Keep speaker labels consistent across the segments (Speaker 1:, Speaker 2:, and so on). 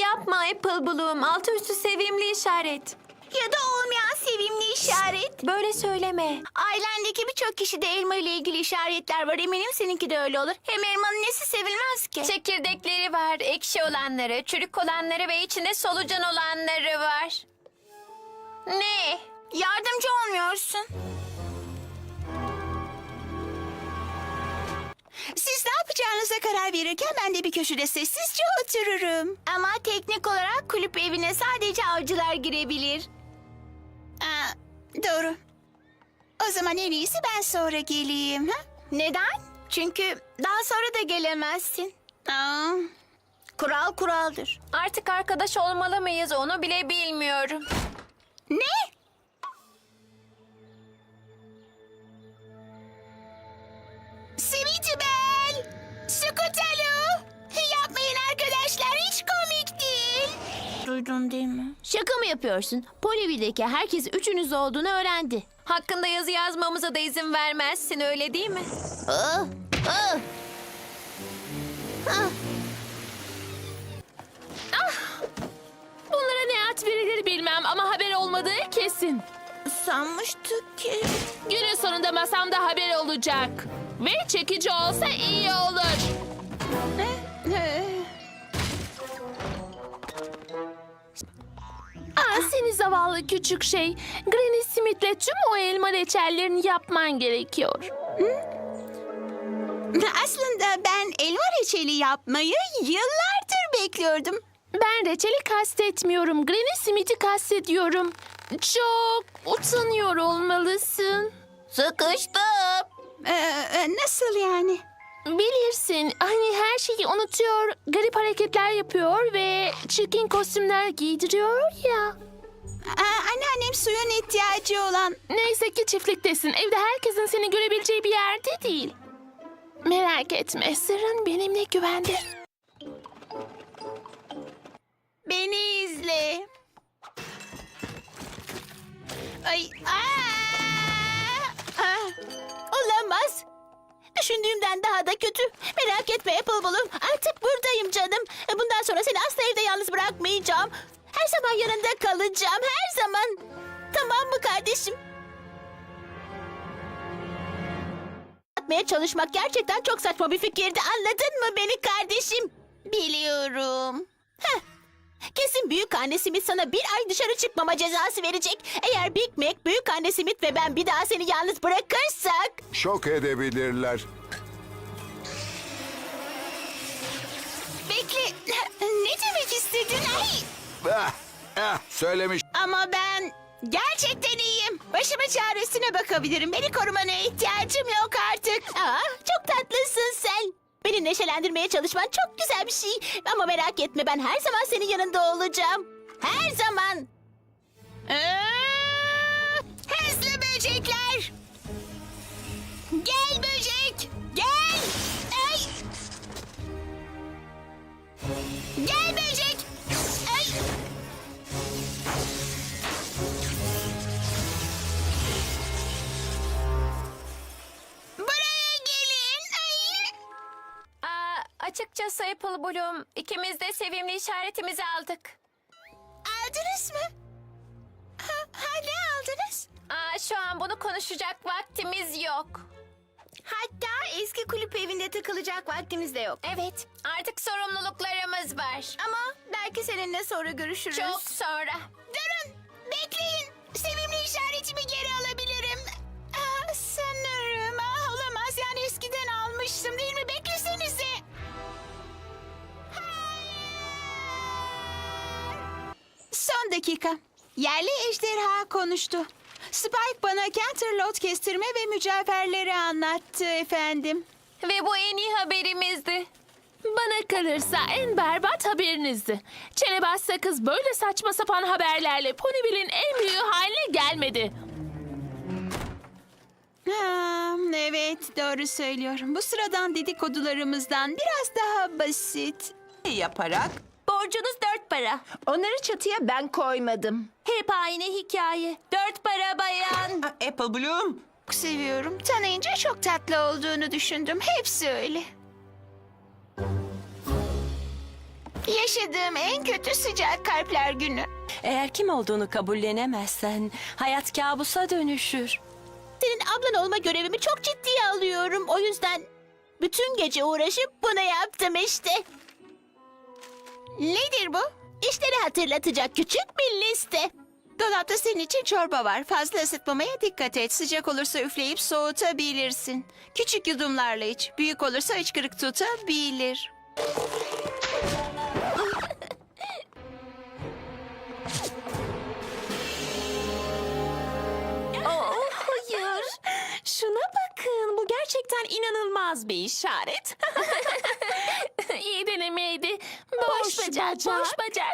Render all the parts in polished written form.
Speaker 1: yapma Apple Bloom. Altı üstü sevimli işaret.
Speaker 2: Ya da olmayan sevimli işaret.
Speaker 1: Böyle söyleme.
Speaker 2: Ailendeki birçok kişide elma ile ilgili işaretler var. Eminim seninki de öyle olur. Hem elmanın nesi sevilmez ki?
Speaker 1: Çekirdekleri var, ekşi olanları, çürük olanları ve içinde solucan olanları var. Ne?
Speaker 2: Yardımcı olmuyorsun.
Speaker 3: Siz ne yapacağınıza karar verirken ben de bir köşede sessizce otururum.
Speaker 2: Ama teknik olarak kulüp evine sadece avcılar girebilir.
Speaker 3: Aa, doğru. O zaman en iyisi ben sonra geleyim. Ha?
Speaker 2: Neden? Çünkü daha sonra da gelemezsin.
Speaker 3: Aa,
Speaker 2: Kural kuraldır.
Speaker 1: Artık arkadaş olmalı mıyız onu bile bilmiyorum.
Speaker 3: ne? Sweetibel! Scootaloo! Yapmayın arkadaşlar, hiç komik değil.
Speaker 2: Duydun değil mi?
Speaker 4: Şaka mı yapıyorsun? Polivi'deki herkes üçünüz olduğunu öğrendi.
Speaker 1: Hakkında yazı yazmamıza da izin vermezsin öyle değil mi?
Speaker 4: Ah, ah.
Speaker 5: Bunlara ne ad verilir bilmem ama haber olmadığı kesin.
Speaker 2: Sanmıştık ki...
Speaker 5: Günün sonunda masamda haber olacak. Ve çekici olsa iyi olur. Seni zavallı küçük şey. Granny Smith'le tüm o elma reçellerini yapman gerekiyor.
Speaker 3: Aslında ben elma reçeli yapmayı yıllardır bekliyordum.
Speaker 5: Ben reçeli kastetmiyorum. Granny Smith'i kastediyorum. Çok utanıyor olmalısın.
Speaker 2: Sıkıştım.
Speaker 3: Nasıl yani?
Speaker 5: Bilirsin, hani her şeyi unutuyor, garip hareketler yapıyor ve çirkin kostümler giydiriyor ya.
Speaker 3: Anneannem suyun ihtiyacı olan...
Speaker 5: Neyse ki çiftliktesin, evde herkesin seni görebileceği bir yerde değil. Merak etme, sırrın benimle güvende.
Speaker 3: Beni izle. Ay, olamaz. Düşündüğümden daha da kötü. Merak etme Apple Bloom. Artık buradayım canım. Bundan sonra seni asla evde yalnız bırakmayacağım. Her zaman yanında kalacağım. Her zaman. Tamam mı kardeşim? Yapmaya çalışmak gerçekten çok saçma bir fikirdi. Anladın mı beni kardeşim? Biliyorum. Heh. Kesin büyük anne Smith sana bir ay dışarı çıkmama cezası verecek. Eğer Big Mac, büyük anne Smith ve ben bir daha seni yalnız bırakırsak...
Speaker 6: Şok edebilirler.
Speaker 3: Bekle, ne demek istedin? Ay.
Speaker 6: Söylemiş.
Speaker 3: Ama ben gerçekten iyiyim. Başımın çaresine bakabilirim. Beni korumana ihtiyacım yok artık. Çok tatlısın sen. Beni neşelendirmeye çalışman çok güzel bir şey. Ama merak etme, ben her zaman senin yanında olacağım. Her zaman. Hızlı böcekler. Gel böcek. Gel. Ay. Gel böcek. Ay. Buraya gelin. Ay.
Speaker 1: Açıkçası Apple Bloom ikimiz de sevimli işaretimizi aldık.
Speaker 3: Aldınız mı? Ne aldınız?
Speaker 1: Şu an bunu konuşacak vaktimiz yok.
Speaker 2: Hatta eski kulüp evinde takılacak vaktimiz de yok.
Speaker 1: Evet, artık sorumluluklarımız var.
Speaker 2: Ama belki seninle sonra görüşürüz.
Speaker 1: Çok sonra.
Speaker 3: Durun, bekleyin. Sevimli işaretimi geri alabilirim. Sanırım. Olamaz, yani eskiden almıştım değil mi? Beklesenize. Son dakika. Yerli ejderha konuştu. Spike bana Canterlot kestirme ve mücevherleri anlattı efendim.
Speaker 1: Ve bu en iyi haberimizdi.
Speaker 5: Bana kalırsa en berbat haberinizdi. Çenebaz sakız böyle saçma sapan haberlerle Ponyville'in en büyüğü haline gelmedi.
Speaker 3: Evet, doğru söylüyorum. Bu sıradan dedikodularımızdan biraz daha basit.
Speaker 7: Yaparak
Speaker 1: Borcunuz 4 para.
Speaker 7: onları çatıya ben koymadım.
Speaker 1: Hep aynı hikaye. 4 para bayan.
Speaker 7: Apple Bloom.
Speaker 3: Çok seviyorum. Tanıyınca çok tatlı olduğunu düşündüm. Hepsi öyle.
Speaker 2: Yaşadığım en kötü sıcak kalpler günü.
Speaker 8: Eğer kim olduğunu kabullenemezsen hayat kabusa dönüşür.
Speaker 3: Senin ablan olma görevimi çok ciddiye alıyorum. O yüzden bütün gece uğraşıp bunu yaptım işte.
Speaker 2: Nedir bu?
Speaker 3: İşleri hatırlatacak küçük bir liste.
Speaker 7: Dolapta senin için çorba var. Fazla ısıtmamaya dikkat et. Sıcak olursa üfleyip soğutabilirsin. Küçük yudumlarla iç. Büyük olursa hıçkırık tutabilir.
Speaker 8: Hayır. Şuna bakın. Bu gerçekten inanılmaz bir işaret.
Speaker 5: İyi denemeydi. Boş bacak, boş bacak.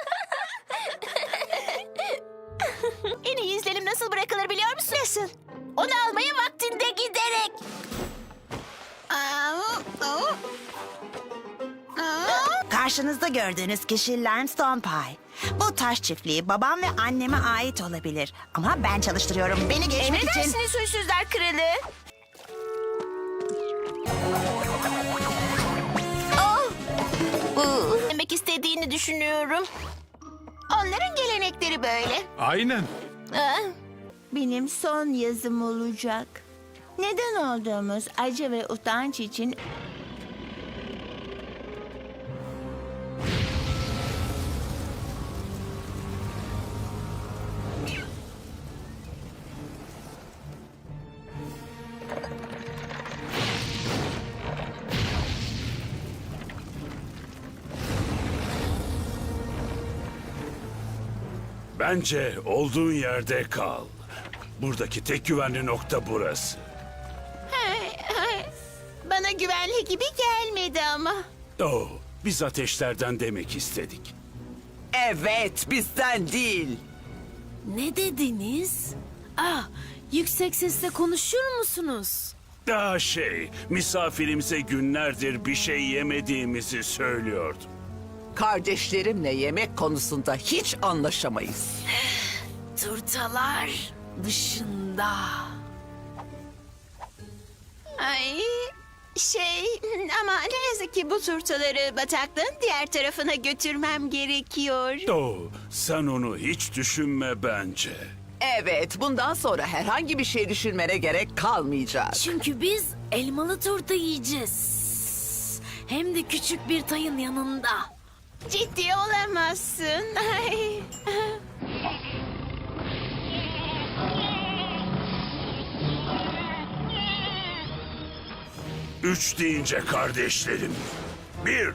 Speaker 3: En iyi izlenim nasıl bırakılır biliyor musun? Nasıl? Onu almaya vaktinde giderek.
Speaker 9: Karşınızda gördüğünüz kişi Limestone Pie. Bu taş çiftliği babam ve anneme ait olabilir. Ama ben çalıştırıyorum. Beni geçmek için...
Speaker 2: Emredersiniz huysuzlar kralı.
Speaker 3: Demek istediğini düşünüyorum.
Speaker 2: Onların gelenekleri böyle.
Speaker 6: Aynen.
Speaker 2: Benim son yazım olacak. Neden olduğumuz acı ve utanç için
Speaker 10: Bence olduğun yerde kal. Buradaki tek güvenli nokta burası.
Speaker 2: bana güvenli gibi gelmedi ama.
Speaker 10: Oh, biz ateşlerden demek istedik.
Speaker 7: Evet, bizden değil.
Speaker 4: Ne dediniz? Ah, yüksek sesle konuşur musunuz?
Speaker 10: Misafirimize günlerdir bir şey yemediğimizi söylüyordu.
Speaker 7: Kardeşlerimle yemek konusunda hiç anlaşamayız.
Speaker 4: Turtalar dışında.
Speaker 2: Ay ama ne yazık ki bu turtaları bataklığın diğer tarafına götürmem gerekiyor.
Speaker 10: Oh, sen onu hiç düşünme bence.
Speaker 7: Evet, bundan sonra herhangi bir şey düşünmene gerek kalmayacak.
Speaker 4: Çünkü biz elmalı turta yiyeceğiz. Hem de küçük bir tayın yanında.
Speaker 2: Ciddi olamazsın. Ay.
Speaker 10: Üç deyince kardeşlerim. 1,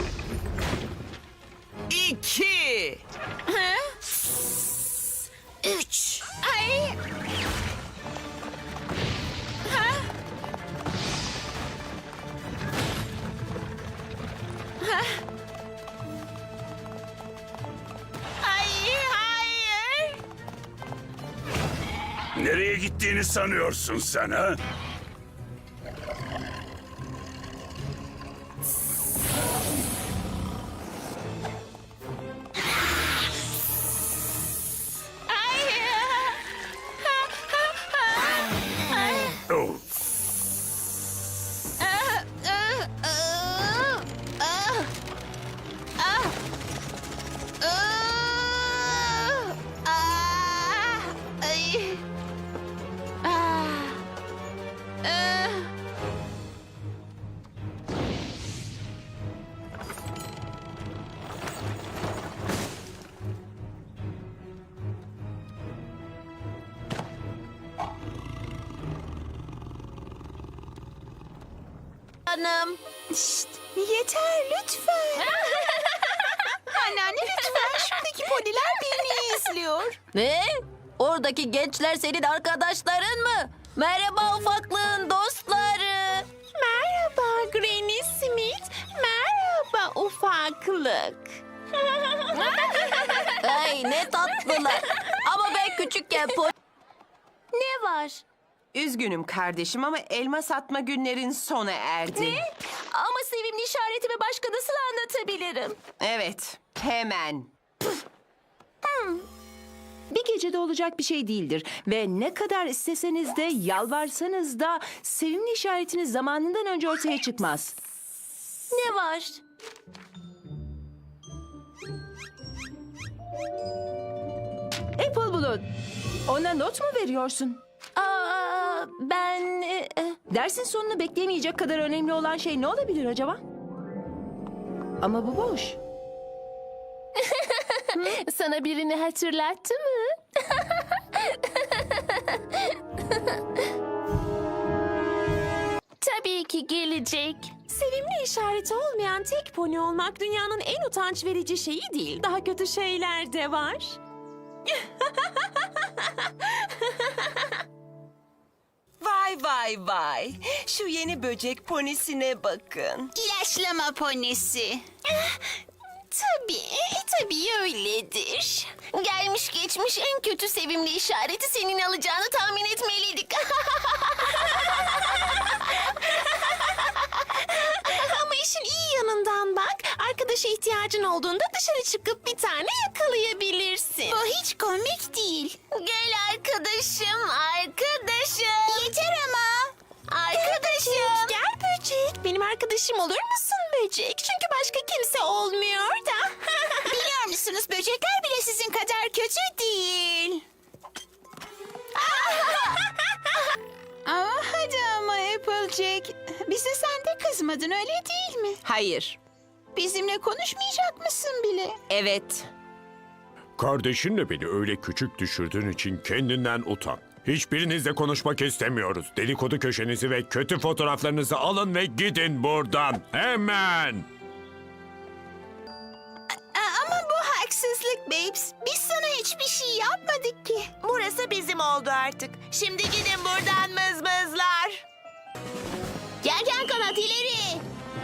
Speaker 7: 2.
Speaker 4: 3.
Speaker 2: Ay. Ay, hayır.
Speaker 10: nereye gittiğini sanıyorsun sen ha? Oh,
Speaker 3: Hanım.
Speaker 2: Yeter lütfen. Anneanne lütfen. Şuradaki poniler beni izliyor.
Speaker 3: Ne? Oradaki gençler senin arkadaşların mı? Merhaba ufaklığın dostları.
Speaker 5: Merhaba Granny Smith. Merhaba ufaklık.
Speaker 3: Ay ne tatlılar. Ama ben küçükken Ne var?
Speaker 7: Üzgünüm kardeşim ama elma satma günlerin sona erdi.
Speaker 3: Ama sevimli işaretimi başka nasıl anlatabilirim?
Speaker 7: Evet, hemen. Bir gecede olacak bir şey değildir. Ve ne kadar isteseniz de yalvarsanız da sevimli işaretiniz zamanından önce ortaya çıkmaz.
Speaker 3: Ne var?
Speaker 7: oldu? Ona not mu veriyorsun?
Speaker 8: Ben...
Speaker 7: Dersin sonunu beklemeyecek kadar önemli olan şey ne olabilir acaba? Ama bu boş.
Speaker 5: Sana birini hatırlattı mı? Tabii ki gelecek.
Speaker 3: Sevimli işareti olmayan tek pony olmak dünyanın en utanç verici şeyi değil. Daha kötü şeyler de var.
Speaker 8: Vay vay vay. Şu yeni böcek ponisine bakın.
Speaker 2: İlaçlama ponisi.
Speaker 1: Tabii öyledir. Gelmiş geçmiş en kötü sevimli işareti senin alacağını tahmin etmeliydik.
Speaker 3: Ama işin iyi yanından bak. Arkadaşa ihtiyacın olduğunda dışarı çıkıp bir tane yakalayabilirsin.
Speaker 2: Bu hiç komik değil.
Speaker 1: Gel arkadaşım.
Speaker 2: Yeter ama.
Speaker 1: Arkadaşım.
Speaker 3: Gel böcek. Benim arkadaşım olur musun böcek? Çünkü başka kimse olmuyor da.
Speaker 2: Biliyor musunuz böcekler bile sizin kadar kötü değil. Hadi ama Applejack. Bize sen de kızmadın öyle değil mi?
Speaker 8: Hayır.
Speaker 2: Bizimle konuşmayacak mısın bile?
Speaker 8: Evet.
Speaker 6: Kardeşinle beni öyle küçük düşürdüğün için kendinden utan. Hiçbirinizle konuşmak istemiyoruz. Dedikodu köşenizi ve kötü fotoğraflarınızı alın ve gidin buradan. Hemen.
Speaker 2: Ama bu haksızlık Babes. Biz sana hiçbir şey yapmadık ki.
Speaker 9: Burası bizim oldu artık. Şimdi gidin buradan mızmızlar.
Speaker 3: Gel kanat ileri.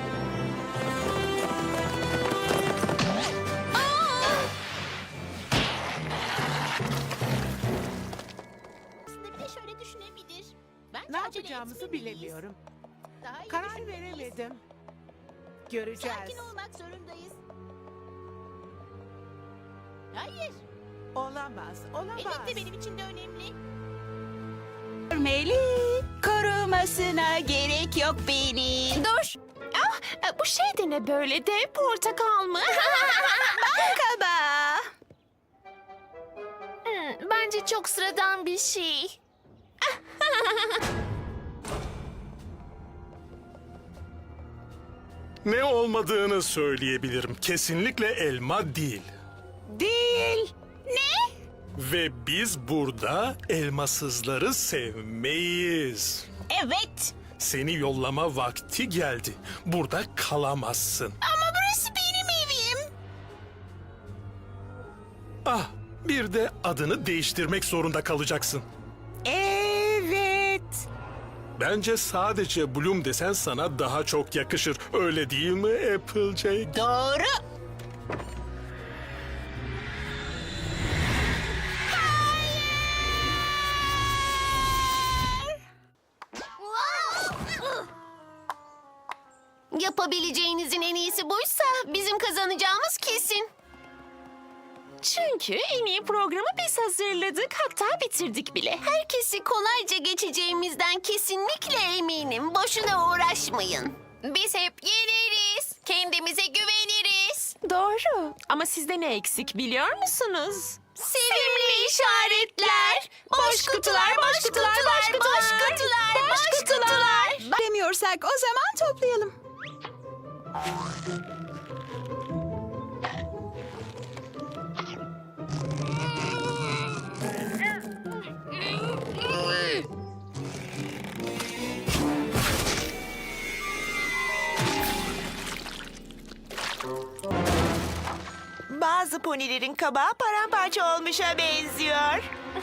Speaker 4: Aslında bir de şöyle düşünebilir. Bence
Speaker 11: Ne
Speaker 4: acele
Speaker 11: yapacağımızı
Speaker 4: etmemeliyiz.
Speaker 11: bilemiyorum.
Speaker 4: Daha iyi
Speaker 11: Karar
Speaker 4: düşünmeliyiz.
Speaker 11: veremedim. Göreceğiz.
Speaker 4: Sakin olmak zorundayız. Hayır.
Speaker 11: Olamaz, olamaz.
Speaker 4: Elbette benim için de önemli.
Speaker 2: Görmeli. Korumasına gerek yok benim.
Speaker 3: Dur. Bu şey de ne böyle dev portakal mı?
Speaker 2: Kaba.
Speaker 5: Bence çok sıradan bir şey.
Speaker 10: Ne olmadığını söyleyebilirim. Kesinlikle elma değil.
Speaker 2: Değil.
Speaker 10: Ve biz burada elmasızları sevmeyiz.
Speaker 2: Evet.
Speaker 10: Seni yollama vakti geldi. Burada kalamazsın.
Speaker 2: Ama burası benim evim.
Speaker 10: Ah, bir de adını değiştirmek zorunda kalacaksın.
Speaker 2: Evet.
Speaker 10: Bence sadece Bloom desen sana daha çok yakışır. Öyle değil mi Applejack?
Speaker 2: Doğru.
Speaker 1: Yapabileceğinizin en iyisi buysa bizim kazanacağımız kesin.
Speaker 3: Çünkü en iyi programı biz hazırladık. Hatta bitirdik bile.
Speaker 1: Herkesi kolayca geçeceğimizden kesinlikle eminim. Boşuna uğraşmayın. Biz hep yeneriz. Kendimize güveniriz.
Speaker 3: Doğru. Ama sizde ne eksik biliyor musunuz?
Speaker 1: Sevimli işaretler. Boş kutular, boş kutular, boş kutular, boş kutular, boş kutular.
Speaker 2: Bilemiyorsak o zaman toplayalım.
Speaker 9: Bazı ponilerin kabağı paramparça olmuşa benziyor.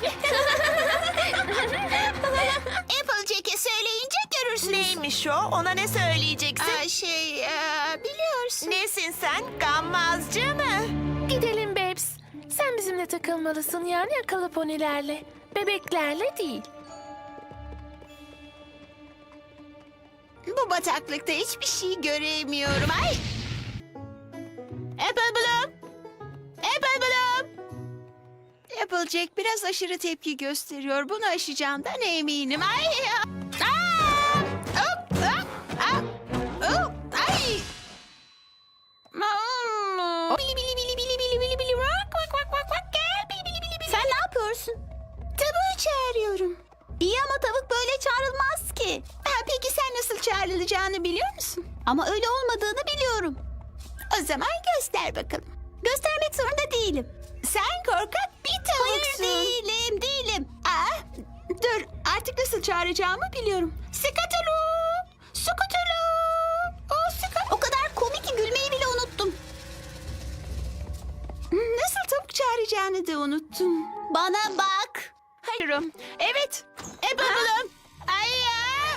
Speaker 2: Applejack'e söyleyince görürsünüz.
Speaker 9: Neymiş o? Ona ne söyleyeceksin?
Speaker 2: Biliyorsun.
Speaker 9: Nesin sen? Gammazcı mı?
Speaker 5: Gidelim Babes. Sen bizimle takılmalısın yani akıllı ponilerle. Bebeklerle değil.
Speaker 2: Bu bataklıkta hiçbir şey göremiyorum. Ay!
Speaker 3: Apple Bloom. Apple Bloom.
Speaker 2: Applejack biraz aşırı tepki gösteriyor. Bunu aşacağından eminim. Ay! Hop, hop, hop, hop, ay!
Speaker 3: Sen ne yapıyorsun? Ama öyle olmadığını biliyorum.
Speaker 2: O zaman göster bakalım.
Speaker 3: Göstermek zorunda değilim.
Speaker 2: Sen korkak bir tavuksun.
Speaker 3: Hayır değilim.
Speaker 2: Aa, dur, artık nasıl çağıracağımı biliyorum. Skutulu! Skutulu!
Speaker 3: O kadar komik ki gülmeyi bile unuttum.
Speaker 2: Nasıl tavuk çağıracağını da unuttun.
Speaker 3: Bana bak.
Speaker 2: Hayırım. Evet.
Speaker 3: Bakalım.
Speaker 2: Ay ya.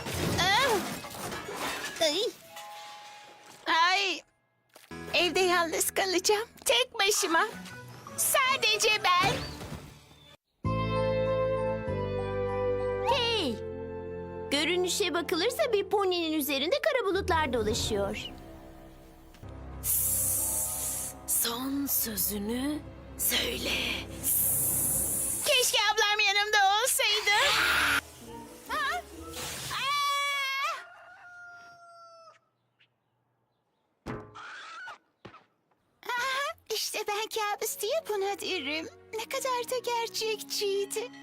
Speaker 3: Ay.
Speaker 2: Ay. Evde yalnız kalacağım. Tek başıma. Sadece ben.
Speaker 3: Hey. Görünüşe bakılırsa bir poninin üzerinde kara bulutlar dolaşıyor.
Speaker 4: Son sözünü söyle.
Speaker 2: Keşke ablam yanımda olsaydı. Ha? İşte ben kabus diye buna derim. Ne kadar da gerçekçiydi.